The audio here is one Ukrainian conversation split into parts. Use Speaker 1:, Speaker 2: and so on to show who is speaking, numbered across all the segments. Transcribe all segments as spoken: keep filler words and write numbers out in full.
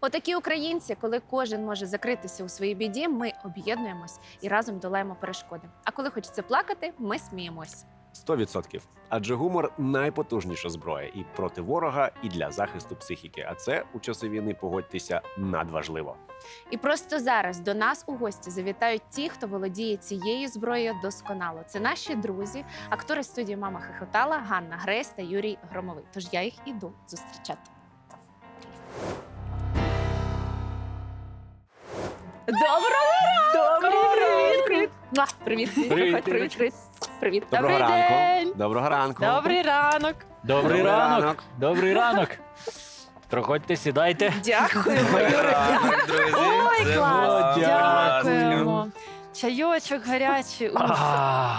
Speaker 1: Отакі українці, коли кожен може закритися у своїй біді, ми об'єднуємось і разом долаємо перешкоди. А коли хочеться плакати, ми сміємось.
Speaker 2: Сто відсотків. Адже гумор найпотужніша зброя і проти ворога, і для захисту психіки. А це у часи війни, погодьтеся, надважливо.
Speaker 1: І просто зараз до нас у гості завітають ті, хто володіє цією зброєю досконало. Це наші друзі, актори студії «Мама хихотала» Ганна Гресь та Юрій Громовий. Тож я їх іду зустрічати. Доброго ранку! Привіт! Привіт! Муа! Привіт! Привіт!
Speaker 3: Привіт,
Speaker 1: Привіт! Привіт! Привіт!
Speaker 2: Доброго
Speaker 4: Добрий
Speaker 2: ранку.
Speaker 4: день.
Speaker 2: Доброго ранку.
Speaker 4: Добрий ранок.
Speaker 3: Добрий
Speaker 2: Добрий
Speaker 3: ранок.
Speaker 2: ранок.
Speaker 3: Добрий ранок. Проходьте, сідайте.
Speaker 1: Дякуємо, Юрій!
Speaker 4: Ой,
Speaker 3: Це
Speaker 4: клас,
Speaker 3: було
Speaker 4: дякуємо. Чайочок гарячий. Уф.
Speaker 3: А,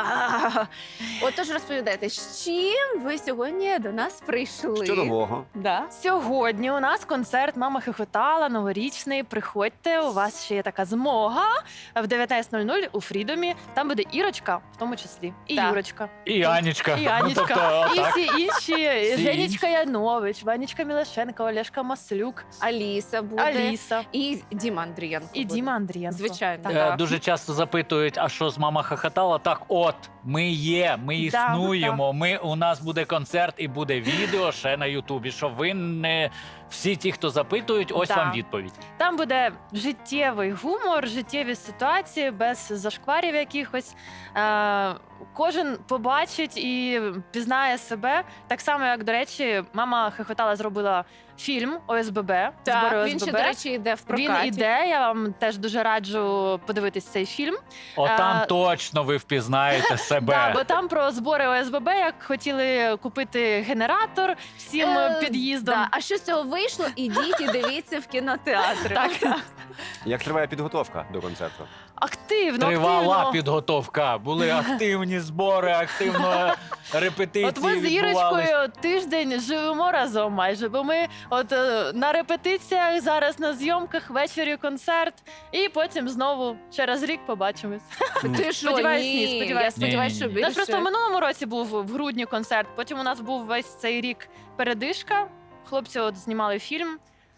Speaker 1: А, Отож, розповідайте, з чим ви сьогодні до нас прийшли?
Speaker 2: Що нового?
Speaker 1: Да?
Speaker 4: Сьогодні у нас концерт «Мама хихотала» новорічний. Приходьте, у вас ще є така змога. В дев'ятнадцять нуль нуль у Фрідомі. Там буде Ірочка, в тому числі. І
Speaker 1: Так.
Speaker 4: Юрочка.
Speaker 3: І Анічка.
Speaker 4: І Анічка.
Speaker 3: Ну, тобто,
Speaker 4: І
Speaker 3: так.
Speaker 4: всі інші.
Speaker 3: Всі
Speaker 4: Женечка Янович, Ванечка Мілашенко, Олешка Маслюк,
Speaker 1: Аліса буде.
Speaker 4: Аліса.
Speaker 1: І Діма Андрієнко
Speaker 4: І
Speaker 1: буде.
Speaker 4: Діма Андрієнко.
Speaker 1: Звичайно.
Speaker 3: Е,
Speaker 1: Так.
Speaker 3: Дуже часто запитують, а що з мама хохотала? Так от, ми є, ми
Speaker 4: Да,
Speaker 3: існуємо, ми, у нас буде концерт і буде відео ще на Ютубі, щоб ви не... Всі ті, хто запитують, ось
Speaker 4: Да.
Speaker 3: вам відповідь.
Speaker 4: Там буде життєвий гумор, життєві ситуації без зашкварів якихось. Е, кожен побачить і пізнає себе. Так само, як, до речі, мама хихотала зробила фільм ОСББ. збори
Speaker 1: Так, він
Speaker 4: ОСББ.
Speaker 1: ще, до речі, йде в прокаті.
Speaker 4: Він іде, я вам теж дуже раджу подивитись цей фільм.
Speaker 3: Отам
Speaker 4: Е,
Speaker 3: точно ви впізнаєте себе.
Speaker 4: Да, бо там про збори ОСББ, як хотіли купити генератор всім
Speaker 1: Е,
Speaker 4: під'їздом.
Speaker 1: Да. А що з цього вийшло? Ідіть і дивіться в кінотеатрі.
Speaker 4: Так.
Speaker 2: Як триває підготовка до концерту?
Speaker 4: Активно,
Speaker 3: Тривала
Speaker 4: активно.
Speaker 3: підготовка, були активні збори, активно репетиції
Speaker 4: От ми з
Speaker 3: відбувались.
Speaker 4: Ірочкою тиждень живемо разом майже, бо ми от е, на репетиціях, зараз на зйомках, ввечері концерт, і потім знову через рік побачимось.
Speaker 1: Ти що,
Speaker 4: Сподіваюсь,
Speaker 1: ні.
Speaker 4: ні, сподіваюсь.
Speaker 1: Я сподіваюся, що
Speaker 3: Ні-ні-ні.
Speaker 1: більше.
Speaker 4: У нас просто в минулому році був в грудні концерт, потім у нас був весь цей рік передишка. Хлопці от знімали фільм.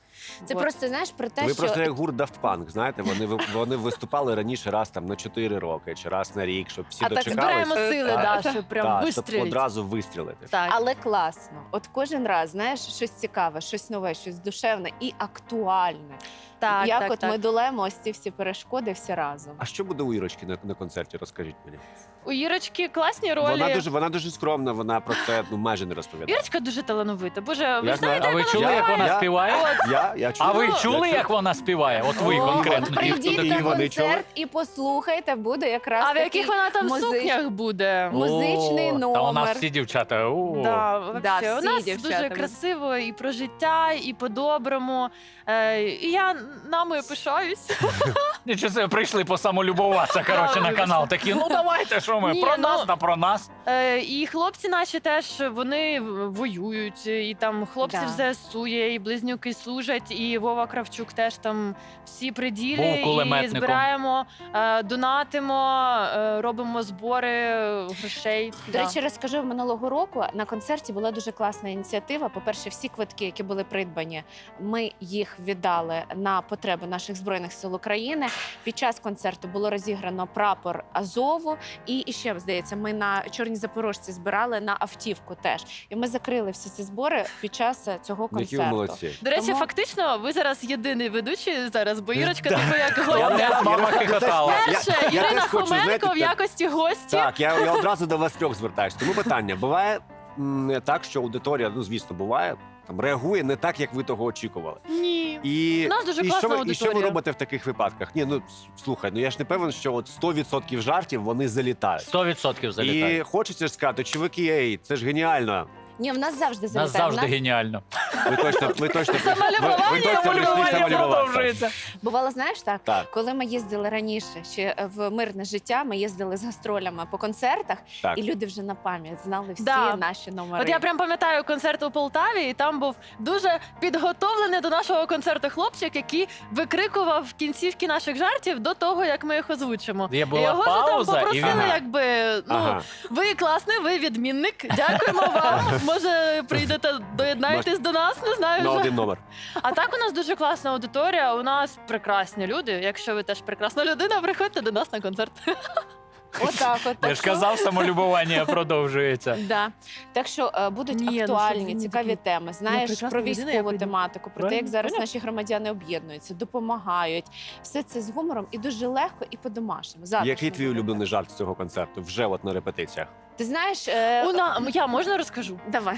Speaker 1: Це
Speaker 4: От.
Speaker 1: просто, знаєш, про те,
Speaker 2: Ви
Speaker 1: що...
Speaker 2: просто як гурт Daft Punk, знаєте, вони, ви- вони виступали раніше раз там на чотири роки, чи раз на рік, щоб всі
Speaker 1: А так
Speaker 2: дочекались.
Speaker 4: Збираємо
Speaker 1: Е,
Speaker 4: сили,
Speaker 2: так.
Speaker 4: да, щоб прям
Speaker 2: Так, щоб
Speaker 4: вистрілити.
Speaker 2: одразу вистрілити.
Speaker 4: Так.
Speaker 1: Але класно. От кожен раз, знаєш, щось цікаве, щось нове, щось душевне і актуальне.
Speaker 4: Так,
Speaker 1: Як
Speaker 4: так,
Speaker 1: от
Speaker 4: так.
Speaker 1: ми долаємо ось ці всі перешкоди всі разом.
Speaker 2: А що буде у Ірочки на, на концерті? Розкажіть мені.
Speaker 4: У Ірочки класні ролі.
Speaker 2: Вона дуже, вона дуже скромна, вона про це ну, майже не розповідає.
Speaker 4: Ірочка дуже талановита. Боже, ви
Speaker 2: Я
Speaker 4: знаєте,
Speaker 2: знаю.
Speaker 3: А ви
Speaker 4: як
Speaker 3: чули,
Speaker 4: вона
Speaker 3: як вона
Speaker 2: Я-
Speaker 3: співає?
Speaker 2: Я, я чую.
Speaker 3: А ви
Speaker 4: Ну,
Speaker 3: чули,
Speaker 2: я
Speaker 3: як вона співає? От ви
Speaker 1: О,
Speaker 3: конкретно.
Speaker 1: от прийдіть
Speaker 2: І
Speaker 1: на
Speaker 2: вони чули?
Speaker 1: концерт і послухайте, буде якраз
Speaker 4: А в
Speaker 1: такий
Speaker 4: яких вона там
Speaker 1: музич-
Speaker 4: сукнях буде?
Speaker 1: Му- музичний
Speaker 3: О, Та у нас
Speaker 1: номер.
Speaker 3: всі дівчата. о.
Speaker 4: Да,
Speaker 1: Да,
Speaker 4: вообще.
Speaker 1: всі
Speaker 4: У нас
Speaker 1: дівчата
Speaker 4: дуже
Speaker 1: будуть.
Speaker 4: красиво і про життя, і по-доброму. Е, і я нами пишаюсь.
Speaker 3: Нічого себе, прийшли посамолюбуватися, коротше,
Speaker 4: Да,
Speaker 3: на канал. Такі, ну давайте, що ми,
Speaker 4: Ні,
Speaker 3: про
Speaker 4: ну,
Speaker 3: нас та про нас.
Speaker 4: Е, і хлопці наші теж вони воюють. І там хлопці
Speaker 1: Да.
Speaker 4: в ЗСУ є, і близнюки служать, і Вова Кравчук теж там всі при
Speaker 3: Був
Speaker 4: ділі. І
Speaker 3: кулеметником.
Speaker 4: збираємо, е, донатимо, е, робимо збори грошей.
Speaker 1: До
Speaker 4: Да.
Speaker 1: речі, розкажу, минулого року на концерті була дуже класна ініціатива. По-перше, всі квитки, які були придбані, ми їх віддали на потреби наших збройних сил України. Під час концерту було розіграно прапор Азову, і ще здається, ми на Чорній Запорожці збирали на автівку теж. І ми закрили всі ці збори під час е, цього
Speaker 2: Які ви
Speaker 1: концерту.
Speaker 2: молодці.
Speaker 4: До речі,
Speaker 1: Тому-
Speaker 4: фактично, ви зараз єдиний ведучий зараз, бо Ірочка
Speaker 3: Да.
Speaker 4: типу як
Speaker 3: Я
Speaker 4: гостя.
Speaker 3: теж мама хихотала.
Speaker 4: Перше,
Speaker 2: Я- я
Speaker 4: Ірина
Speaker 2: теж хочу,
Speaker 4: Хоменко
Speaker 2: знаєте,
Speaker 4: в якості гості.
Speaker 2: Так, я, я одразу до вас трьох звертаюся. Тому питання: буває м, так, що аудиторія, ну звісно, буває, там реагує не так, як ви того очікували.
Speaker 4: Ні.
Speaker 2: І,
Speaker 4: У нас дуже
Speaker 2: і,
Speaker 4: класна
Speaker 2: що ви, і
Speaker 4: аудиторія.
Speaker 2: що ви робите в таких випадках? Ні, ну с- слухай, ну я ж не певен, що от сто відсотків жартів вони залітають.
Speaker 3: Сто відсотків залітає.
Speaker 2: І хочеться ж сказати, чуваки, ей, це ж геніально.
Speaker 1: Ні, в нас завжди
Speaker 3: Нас
Speaker 1: залітає. В
Speaker 3: завжди геніально.
Speaker 2: Ви точно, ви точно, ви, ви
Speaker 4: Самолюбування,
Speaker 2: точно прийшли
Speaker 4: малювання
Speaker 2: самолюбуватися.
Speaker 3: продовжується.
Speaker 1: Бувало, знаєш так,
Speaker 2: Так,
Speaker 1: коли ми їздили раніше ще в мирне життя, ми їздили з гастролями по концертах,
Speaker 2: так.
Speaker 1: і люди вже на пам'ять знали всі
Speaker 4: Да.
Speaker 1: наші номери.
Speaker 4: От я прям пам'ятаю концерт у Полтаві, і там був дуже підготовлений до нашого концерту хлопчик, який викрикував в кінцівки наших жартів до того, як ми їх озвучимо.
Speaker 3: Є
Speaker 4: І
Speaker 3: була
Speaker 4: його ж там
Speaker 3: пауза, і
Speaker 4: попросили,
Speaker 3: він...
Speaker 2: Ага.
Speaker 4: якби ну
Speaker 2: Ага.
Speaker 4: ви класний, ви відмінник. Дякуємо вам. може прийдете, доєднаєтесь до нас, не знаю.
Speaker 2: На
Speaker 4: вже.
Speaker 2: один номер.
Speaker 4: А так у нас дуже класна аудиторія, у нас прекрасні люди. Якщо ви теж прекрасна людина, приходьте до нас на концерт.
Speaker 1: Отак, от.
Speaker 3: Я
Speaker 1: Так
Speaker 3: ж
Speaker 1: що-
Speaker 3: казав, самолюбування продовжується.
Speaker 1: Да. Так що е, будуть
Speaker 4: Ні, ну, щоб
Speaker 1: актуальні,
Speaker 4: він
Speaker 1: цікаві
Speaker 4: такий,
Speaker 1: теми. Знаєш,
Speaker 4: прекрасна
Speaker 1: про
Speaker 4: людина, я
Speaker 1: військову
Speaker 4: пойду.
Speaker 1: тематику, про те,
Speaker 3: Правильно,
Speaker 1: як зараз
Speaker 3: понятно.
Speaker 1: наші громадяни об'єднуються, допомагають. Все це з гумором і дуже легко і по-домашньому. Завтра
Speaker 2: Який
Speaker 1: ж
Speaker 2: твій
Speaker 1: буде.
Speaker 2: улюблений жарт з цього концерту? Вже от на репетиціях.
Speaker 1: Ти знаєш, е,
Speaker 4: У на... Я можна розкажу?
Speaker 1: давай.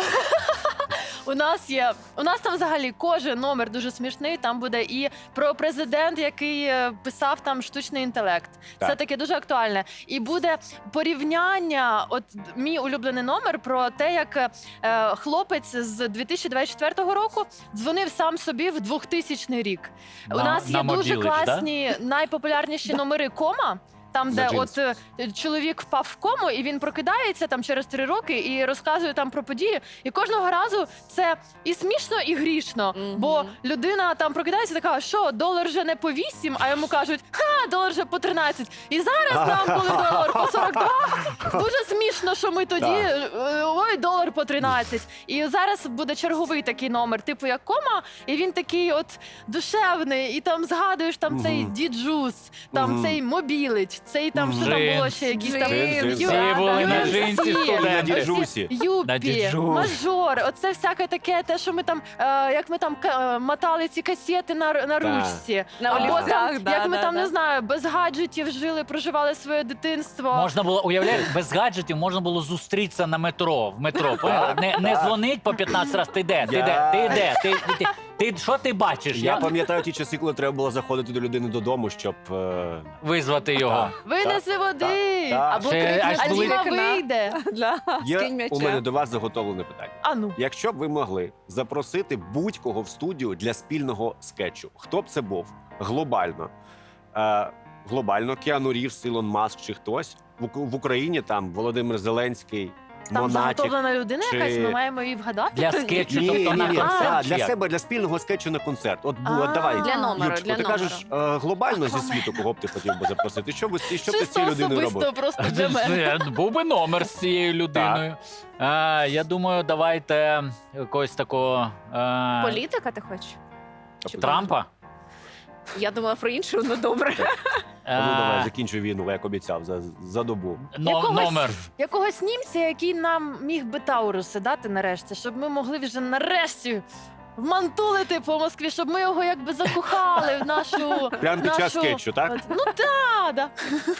Speaker 4: У нас є, у нас там взагалі кожен номер дуже смішний. Там буде і про президент, який е, писав там штучний інтелект.
Speaker 2: Так.
Speaker 4: Це таке дуже актуальне. І буде порівняння. От мій улюблений номер про те, як е, хлопець з дві тисячі двадцять четвертого року дзвонив сам собі в двохтисячний рік. У
Speaker 3: На-
Speaker 4: нас
Speaker 3: на
Speaker 4: є дуже
Speaker 3: мобілич, да?
Speaker 4: класні найпопулярніші номери кома. Там, де
Speaker 2: На
Speaker 4: от е, чоловік впав в кому, і він прокидається там через три роки і розказує там про події. І кожного разу це і смішно, і грішно.
Speaker 1: Мгм.
Speaker 4: Бо людина там прокидається, така, що долар вже не по вісім, а йому кажуть, ха, долар вже по тринадцять. І зараз нам, коли долар по сорок два, дуже смішно, що ми тоді
Speaker 2: Так.
Speaker 4: е, ой, долар по тринадцять. І зараз буде черговий такий номер, типу як кома, і він такий от душевний, і там згадуєш там
Speaker 2: Мгм.
Speaker 4: цей діджус, там
Speaker 2: Мгм.
Speaker 4: цей мобілич, цей там що там
Speaker 3: Джинс.
Speaker 4: було ще якісь там
Speaker 2: Джинс, джинс.
Speaker 4: Ю-
Speaker 3: Всі були на
Speaker 4: Ю Еф Сі,
Speaker 3: джинсі
Speaker 2: І на
Speaker 3: студенти.
Speaker 2: діджусі.
Speaker 3: На
Speaker 4: Юпі,
Speaker 3: діджус.
Speaker 4: мажор, оце всяке таке, те, що ми там, е, як ми там ка- е, мотали ці касети на, р- на
Speaker 2: Так.
Speaker 4: ручці.
Speaker 1: На
Speaker 4: Або
Speaker 1: олівцях,
Speaker 4: там,
Speaker 1: да,
Speaker 4: як ми
Speaker 1: да,
Speaker 4: там,
Speaker 1: да.
Speaker 4: не знаю, без гаджетів жили, проживали своє дитинство.
Speaker 3: Можна було, уявляєш, без гаджетів можна було зустрітися на метро, в метро. поняла? Не, не дзвонить по п'ятнадцять разів, ти де, ти
Speaker 2: Я-
Speaker 3: де, ти де, ти, ти, ти, що ти бачиш?
Speaker 2: Я
Speaker 3: Я
Speaker 2: пам'ятаю ті часи, коли треба було заходити до людини додому, щоб. е,
Speaker 3: визвати його.
Speaker 2: Так.
Speaker 4: Винеси води!
Speaker 2: так.
Speaker 1: Або
Speaker 3: Ще
Speaker 1: крикнеш
Speaker 3: аж
Speaker 4: А
Speaker 1: з
Speaker 3: були-
Speaker 4: Діма
Speaker 1: вікна.
Speaker 4: вийде.
Speaker 1: Да,
Speaker 2: Є
Speaker 1: скинь м'яча.
Speaker 2: у мене до вас заготовлене питання.
Speaker 4: А ну.
Speaker 2: Якщо б ви могли запросити будь-кого в студію для спільного скетчу, хто б це був глобально? Е, глобально Кіану Рівс, Ілон Маск чи хтось в, Ук- в Україні там Володимир Зеленський,
Speaker 4: Там
Speaker 2: Монатік.
Speaker 4: заготовлена людина
Speaker 2: чи-
Speaker 4: якась, ми маємо її вгадати.
Speaker 3: Для скетчу,
Speaker 2: Ні,
Speaker 3: тобто
Speaker 2: ні,
Speaker 3: на
Speaker 2: ні,
Speaker 3: концерт.
Speaker 2: а,
Speaker 3: чи
Speaker 2: для
Speaker 3: як?
Speaker 2: себе, для спільного скетчу на концерт. От, бу-
Speaker 4: А.
Speaker 2: от давай,
Speaker 1: Для номеру,
Speaker 2: Юрчику,
Speaker 1: для
Speaker 2: ти
Speaker 1: номеру.
Speaker 2: кажеш е, глобально зі світу, кого б ти хотів би запросити? Що би, що б ти з
Speaker 4: Чисто
Speaker 2: цією людиною робив?
Speaker 4: особисто просто для мене.
Speaker 3: Це Був би номер з цією людиною. А, я думаю, давайте якогось такого а,
Speaker 1: Політика ти хочеш? Чи
Speaker 3: Трампа.
Speaker 1: Я думала про іншу, ну добре.
Speaker 2: А ну давай,
Speaker 3: А,
Speaker 2: закінчуй війну, як обіцяв, за, за добу.
Speaker 3: но-
Speaker 4: Якогось-
Speaker 3: Номер.
Speaker 4: Якогось німця, який нам міг би Тауруси дати нарешті, щоб ми могли вже нарешті вмантулити по Москві, щоб ми його якби закохали в нашу.
Speaker 2: Прямо під час
Speaker 4: нашу-
Speaker 2: скетчу, так?
Speaker 4: От, ну так, да.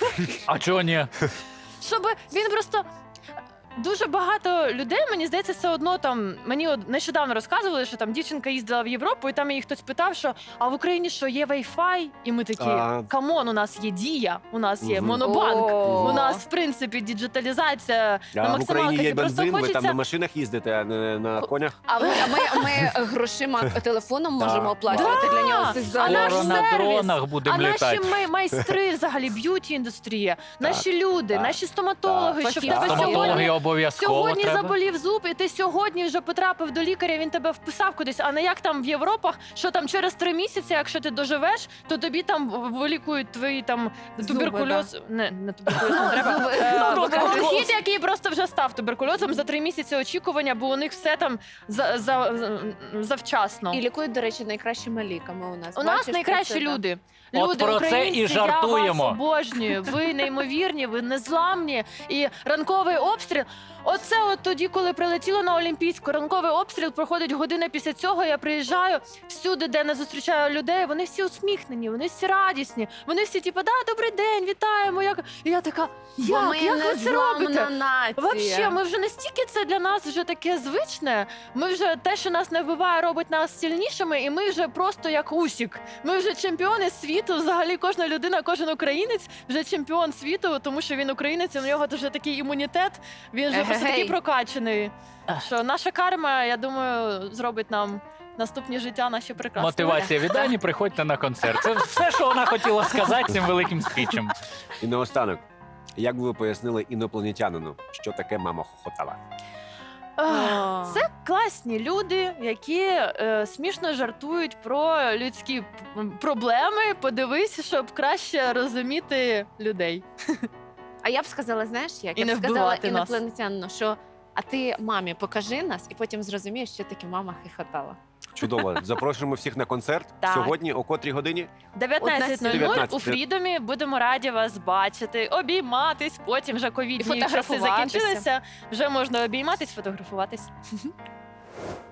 Speaker 3: А чого ні?
Speaker 4: Щоб він просто. Дуже багато людей, мені здається, все одно там. Мені от нещодавно розказували, що там дівчинка їздила в Європу, і там її хтось питав, що а в Україні що є Wi-Fi? І ми такі,
Speaker 2: А.
Speaker 4: камон, у нас є Дія, у нас є
Speaker 2: Мгм.
Speaker 4: Монобанк,
Speaker 1: О.
Speaker 4: у нас в принципі діджиталізація на
Speaker 2: А в
Speaker 4: максималках.
Speaker 2: Україні є
Speaker 4: І просто
Speaker 2: бензин, ви
Speaker 4: хочеться.
Speaker 2: там на машинах їздите, а не на конях.
Speaker 1: А ми, а ми, ми грошима телефоном можемо
Speaker 2: Так.
Speaker 1: оплачувати
Speaker 4: Да.
Speaker 1: для нього цих
Speaker 4: А наш
Speaker 3: Скоро
Speaker 1: залог.
Speaker 3: на
Speaker 4: сервіс,
Speaker 3: дронах
Speaker 4: А
Speaker 3: будемо
Speaker 4: наші
Speaker 3: літати.
Speaker 4: май- майстри, взагалі, б'юті-індустрія, наші люди,
Speaker 2: так.
Speaker 4: наші стоматологи,
Speaker 1: Так.
Speaker 4: що в
Speaker 1: Фахівці.
Speaker 4: тебе сьогодні,
Speaker 3: Стоматологи обов'язково
Speaker 4: сьогодні
Speaker 3: треба.
Speaker 4: заболів зуб, і ти сьогодні вже потрапив до лікаря, він тебе вписав кудись, а не як там в Європах, що там через три місяці, якщо ти доживеш, то тобі там вилікують твої там
Speaker 1: Зуби,
Speaker 4: туберкульоз. Не, не туберкульоз, не треба.
Speaker 1: Зуби.
Speaker 4: Е,
Speaker 1: Туберкульоз.
Speaker 4: Хід, який просто вже став туберкульозом за три місяці очікування, бо у них все там за, за, за- завчасно.
Speaker 1: І лікують, до речі, найкращими ліками у нас.
Speaker 4: У нас
Speaker 1: Бачиш,
Speaker 4: найкращі
Speaker 1: це, да.
Speaker 4: люди.
Speaker 3: От
Speaker 4: Люди,
Speaker 3: про це
Speaker 4: українці,
Speaker 3: і жартуємо.
Speaker 4: Я вас обожнюю. Ви неймовірні, ви незламні. І ранковий обстріл. Оце от тоді, коли прилетіло на Олімпійську, ранковий обстріл проходить година після цього. Я приїжджаю всюди, де не зустрічаю людей. Вони всі усміхнені, вони всі радісні. Вони всі, типу, да, добрий день, вітаємо. Як... І я така,
Speaker 1: Бо
Speaker 4: як,
Speaker 1: ми
Speaker 4: як ви це робите?
Speaker 1: незламна нація.
Speaker 4: Вообще, ми вже настільки це для нас вже таке звичне. Ми вже те, що нас не вбиває, робить нас сильнішими, і ми вже просто як Усік. Ми вже чемпіони світу. Взагалі, кожна людина, кожен українець вже чемпіон світу, тому що він українець, і у нього вже такий імунітет. Він вже просто такий
Speaker 1: Егегей.
Speaker 4: прокачаний. Що наша карма, я думаю, зробить нам наступні життя наші прекрасні.
Speaker 3: Мотивація від Ані, приходьте на концерт. Це все, що вона хотіла сказати цим великим спічем.
Speaker 2: І наостанок, як би ви пояснили інопланетянину, що таке мама хохотала?
Speaker 4: Ах, Це класні люди, які е, смішно жартують про людські п- проблеми. Подивись, щоб краще розуміти людей.
Speaker 1: А я б сказала, знаєш, як
Speaker 4: І
Speaker 1: я б
Speaker 4: не
Speaker 1: сказала
Speaker 4: вбивати нас.
Speaker 1: інопланетянину, що А ти мамі покажи нас, і потім зрозумієш, що таки мама хихотала.
Speaker 2: Чудово. Запрошуємо всіх на концерт.
Speaker 1: Так.
Speaker 2: Сьогодні о котрій годині?
Speaker 4: дев'ятнадцять нуль нуль
Speaker 2: дев'ятнадцять.
Speaker 4: у Фрідомі. Будемо раді вас бачити, обійматись. Потім вже
Speaker 1: І
Speaker 4: ковідні часи
Speaker 1: фотографуватися.
Speaker 4: закінчилися. Вже можна обійматись, фотографуватись.